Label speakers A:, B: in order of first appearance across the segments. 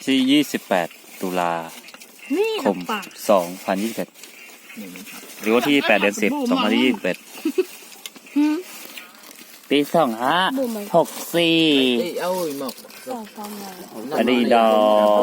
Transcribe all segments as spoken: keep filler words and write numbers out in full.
A: ที่ยี่สิบแปดตุลาคมสองพันยี่สิบเอ็ดหรือว่าที่แปดเดือนสิบสองพันยี่สิบเอ็ดปีสองห้าหกสี่อดีดอ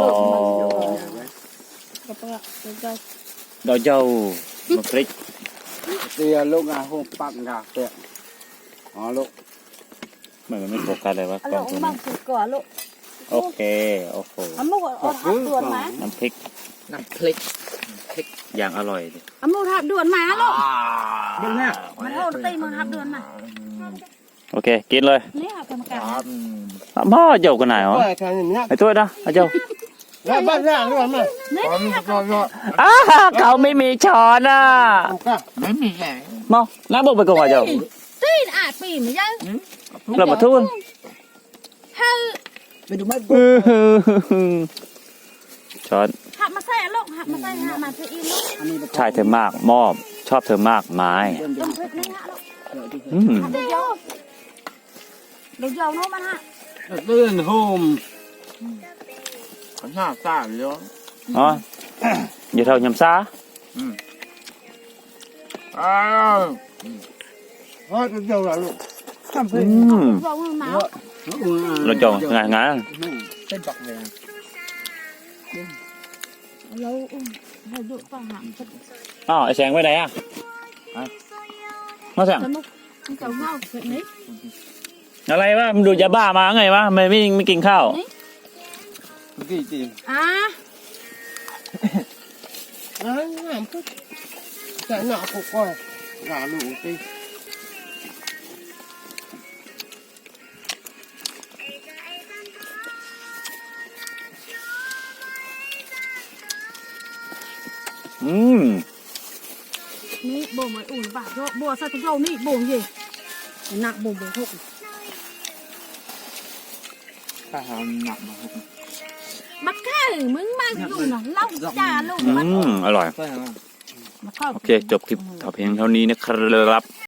A: ดอเจ้ามาพริก
B: เตียลูกอ่ะหงปักงาเตียอ๋อลูก
A: เหมือนมันไม่โฟกัสเลยวะกล้องตัวนี้โอเคโอ้โหน้ำพริก
C: น้ำพริก
A: อย่างอร่อยดิ
D: อามูทับด่วนมาลูกเดี๋ยวนี้มันเอาตีมือทับด่วนมา
A: โอเคกินเลย
D: นี่ค่ะกรรมการ
A: พ่อเจ้ากันไหนวะไอ้ตัวนะไอ้เจ้า
B: แล้วบ้านย่างด้วยมั้ย
A: อ้าเขาไม่มีช้อนอ่ะ
C: ไม่มีไง
A: มองน้าบอกไปก่อนเจ้า
D: ตีนอาดปีไม่ยัง
A: เรามาทุ่น
D: เฮ้
C: ไปดูไม่
A: ช้อน
D: หักมาใส่ลูกหักมาใส่หักมาใส่อีลูก
A: ใช่เธอมากมอบชอบเธอมากไม้อืม
D: เดี๋ยวเดี๋ยวเดี๋ยวโน้มันฮะ
B: ตื่นโฮม
C: หน้าตาเยอะ
A: อ๋ออย่าเท่ายำซา
C: อืมอ้าว
B: อ๋อจะเจ้าละลูก
A: อืมเราจองงานงาน
C: เป็นปักเลย
D: แล้วให้ดูฟังหาง
A: อ้าวไอ้แสงไปไหนอ่ะมาแสง
D: เจ้าเงาแบบนี้
A: อะไรวะมันดูยาบ้ามาไงวะไม่ไม่ไม่กินข้าว
B: กี่จี
D: อ่ะ
B: อ่ะงามปุ๊บแต่หน้าคุกก้อยหน้าลูกจี
A: อืม
D: นี่บ่มไอ้อุ่นบาดโยบัวใส่ถุงโยนี่บ่งยี่หนักบ่งบ่งหก
C: ถ้าทำหนักมา
D: บักแค่มึงมาอยู่น่ะเล่าจ่าลูก
A: อืมอร่อยโอเคจบคลิปเท่าเพียงเท่านี้นะครับ